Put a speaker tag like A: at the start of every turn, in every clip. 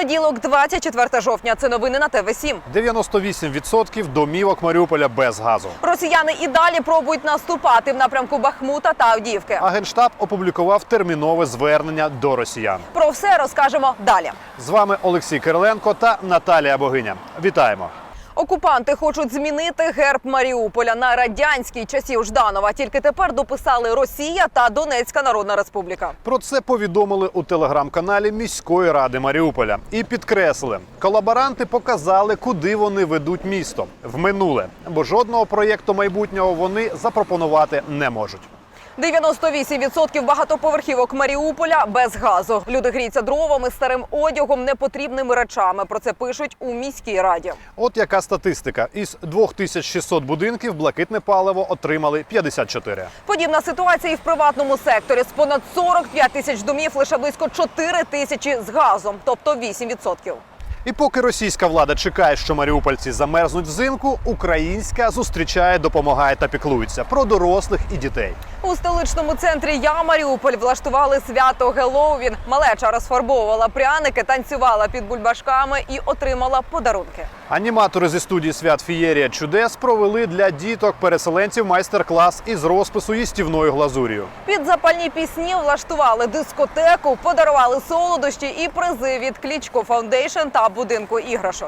A: Понеділок, 24 жовтня. Це новини на ТВ7.
B: 98% домівок Маріуполя без газу.
A: Росіяни і далі пробують наступати в напрямку Бахмута та Авдіївки.
B: А Генштаб опублікував термінове звернення до росіян.
A: Про все розкажемо далі.
B: З вами Олексій Кириленко та Наталія Богиня. Вітаємо!
A: Окупанти хочуть змінити герб Маріуполя на радянський часів Жданова. Тільки тепер дописали Росія та Донецька Народна Республіка.
B: Про це повідомили у телеграм-каналі міської ради Маріуполя. І підкреслили, колаборанти показали, куди вони ведуть місто. В минуле. Бо жодного проєкту майбутнього вони запропонувати не можуть.
A: 98% багатоповерхівок Маріуполя без газу. Люди гріються дровами, старим одягом, непотрібними речами. Про це пишуть у міській раді.
B: От яка статистика. Із 2600 будинків блакитне паливо отримали 54.
A: Подібна ситуація і в приватному секторі. З понад 45 тисяч домів лише близько 4 тисячі з газом, тобто 8%.
B: І поки російська влада чекає, що маріупольці замерзнуть взимку, українська зустрічає, допомагає та піклується про дорослих і дітей.
A: У столичному центрі «Я Маріуполь» влаштували свято Геловін. Малеча розфарбовувала пряники, танцювала під бульбашками і отримала подарунки.
B: Аніматори зі студії «Свят Фієрія чудес» провели для діток-переселенців майстер-клас із розпису їстівною глазур'ю.
A: Під запальні пісні влаштували дискотеку, подарували солодощі і призи від Кличко Фаундейшн та будинку іграшок.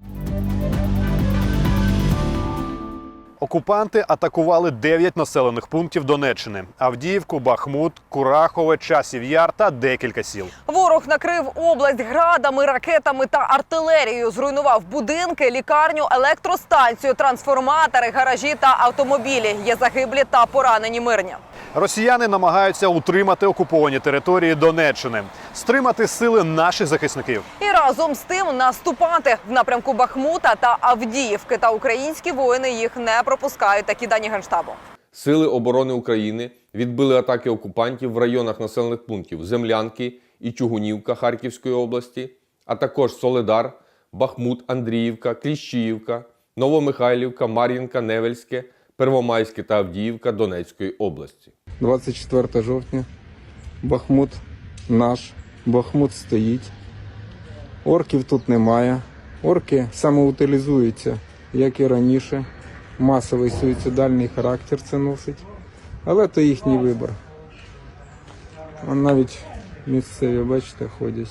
B: Окупанти атакували 9 населених пунктів Донеччини – Авдіївку, Бахмут, Курахове, Часів Яр та декілька сіл.
A: Ворог накрив область градами, ракетами та артилерією. Зруйнував будинки, лікарню, електростанцію, трансформатори, гаражі та автомобілі. Є загиблі та поранені мирні.
B: Росіяни намагаються утримати окуповані території Донеччини, стримати сили наших захисників.
A: І разом з тим наступати в напрямку Бахмута та Авдіївки. Та українські воїни їх не пропускають, такі дані Генштабу.
C: Сили оборони України відбили атаки окупантів в районах населених пунктів Землянки і Чугунівка Харківської області, а також Солидар, Бахмут, Андріївка, Кліщіївка, Новомихайлівка, Мар'їнка, Невельське, Первомайське та Авдіївка Донецької області.
D: 24 жовтня. Бахмут наш. Бахмут стоїть. Орків тут немає. Орки самоутилізуються, як і раніше. Масовий суїцидальний характер це носить. Але то їхній вибір. А навіть місцеві, бачите, ходять.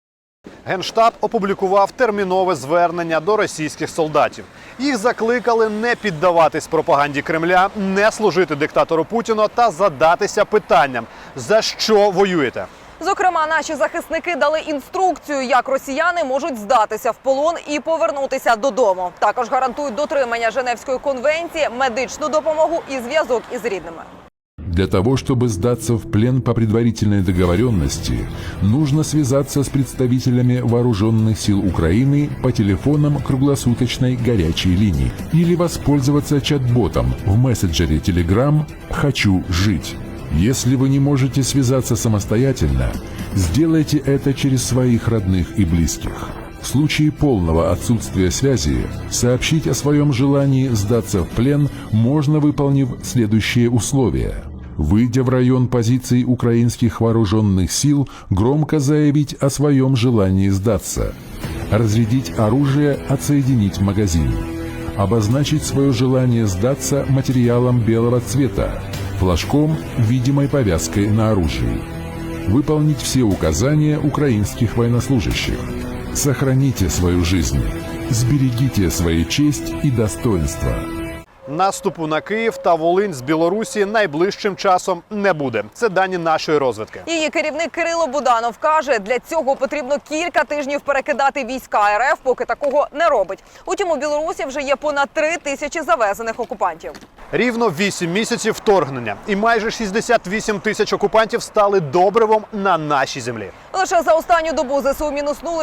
B: Генштаб опублікував термінове звернення до російських солдатів. Їх закликали не піддаватись пропаганді Кремля, не служити диктатору Путіну та задатися питанням, за що воюєте.
A: Зокрема, наші захисники дали інструкцію, як росіяни можуть здатися в полон і повернутися додому. Також гарантують дотримання Женевської конвенції, медичну допомогу і зв'язок із рідними.
E: Для того, чтобы сдаться в плен по предварительной договоренности, нужно связаться с представителями вооруженных сил Украины по телефонам круглосуточной горячей линии или воспользоваться чат-ботом в мессенджере Telegram «Хочу жить». Если вы не можете связаться самостоятельно, сделайте это через своих родных и близких. В случае полного отсутствия связи, сообщить о своем желании сдаться в плен можно, выполнив следующие условия. Выйдя в район позиций украинских вооруженных сил, громко заявить о своем желании сдаться. Разрядить оружие, отсоединить магазин. Обозначить свое желание сдаться материалом белого цвета, флажком, видимой повязкой на оружии. Выполнить все указания украинских военнослужащих. Сохраните свою жизнь. Сберегите свою честь и достоинство.
B: Наступу на Київ та Волинь з Білорусі найближчим часом не буде. Це дані нашої розвідки.
A: Її керівник Кирило Буданов каже, для цього потрібно кілька тижнів перекидати війська РФ, поки такого не робить. Утім, у Білорусі вже є понад 3 тисячі завезених окупантів.
B: Рівно 8 місяців вторгнення. І майже 68 тисяч окупантів стали добривом на нашій землі.
A: Лише за останню добу ЗСУ мінуснули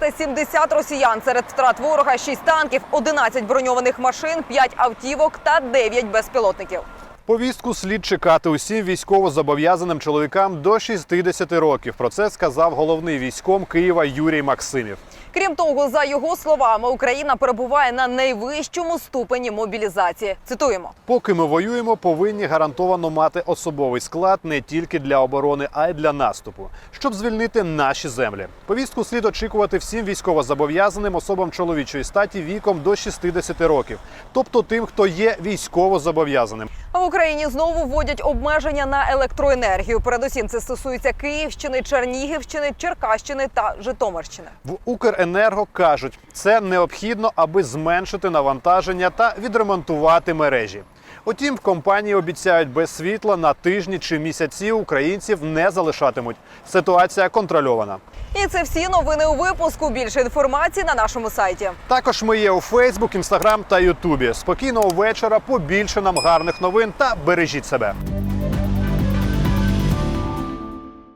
A: 470 росіян. Серед втрат ворога 6 танків, 11 броньованих машин, 5 автівок та 9 безпілотників.
B: Повістку слід чекати усім військовозобов'язаним чоловікам до 60 років. Про це сказав головний військком Києва Юрій Максимів.
A: Крім того, за його словами, Україна перебуває на найвищому ступені мобілізації. Цитуємо.
B: Поки ми воюємо, повинні гарантовано мати особовий склад не тільки для оборони, а й для наступу, щоб звільнити наші землі. Повістку слід очікувати всім військовозобов'язаним особам чоловічої статі віком до 60 років, тобто тим, хто є військовозобов'язаним.
A: А в Україні знову вводять обмеження на електроенергію. Передусім це стосується Київщини, Чернігівщини, Черкащини та Житомирщини.
B: В Укренерго кажуть, це необхідно, аби зменшити навантаження та відремонтувати мережі. Утім, в компанії обіцяють, без світла на тижні чи місяці українців не залишатимуть. Ситуація контрольована.
A: І це всі новини у випуску. Більше інформації на нашому сайті.
B: Також ми є у Фейсбук, Інстаграм та Ютубі. Спокійного вечора, побільше нам гарних новин та бережіть себе.